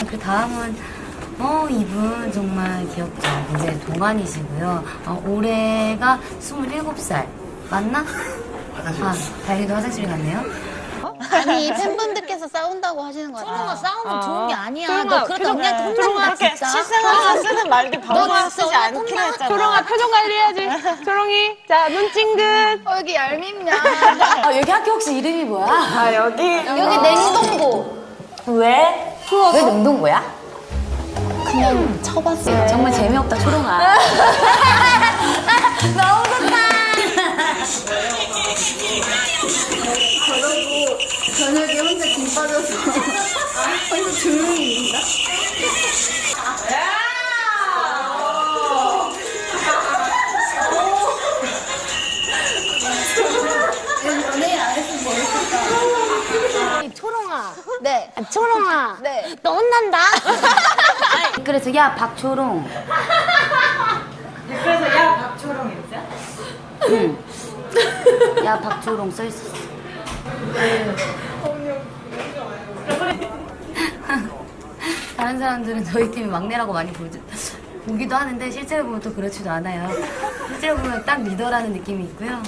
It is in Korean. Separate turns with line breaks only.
그 다음은 이분 정말 귀엽죠. 이제 동안이시고요. 올해가 27살. 맞나? 다행히도 화장실 갔네요.
아니 팬분들께서 싸운다고 하시는 거 같아.
초롱아 싸우면 좋은 게 아니야.
초롱아,
너 그러다 언니한테 혼난다
그렇게
진짜.
실생활에서 쓰는 말들 바로바로 쓰지 않기로 했잖아.
초롱아 표정 관리해야지. 초롱이 자 눈 찡긋.
여기 얄밉냐.
여기 학교 혹시 이름이 뭐야?
아 여기
여기 냉동고.
왜? 왜 냉동고야?
그냥 쳐봤어요.
정말 재미없다, 초롱아. 너무 좋다.
저녁에 혼자 김 빠져서 혼자 조용히 있다. 연애 안 했으면 뭐 했을까?
초롱아.
네.
초롱아.
네.
너 혼난다.
그래서 야, 박초롱.
그래서 야 박초롱이었어요?
응. 야, 박초롱 써있었어. 다른 사람들은 저희 팀이 막내라고 많이 보기도 하는데 실제로 보면 또 그렇지도 않아요. 실제로 보면 딱 리더라는 느낌이 있고요.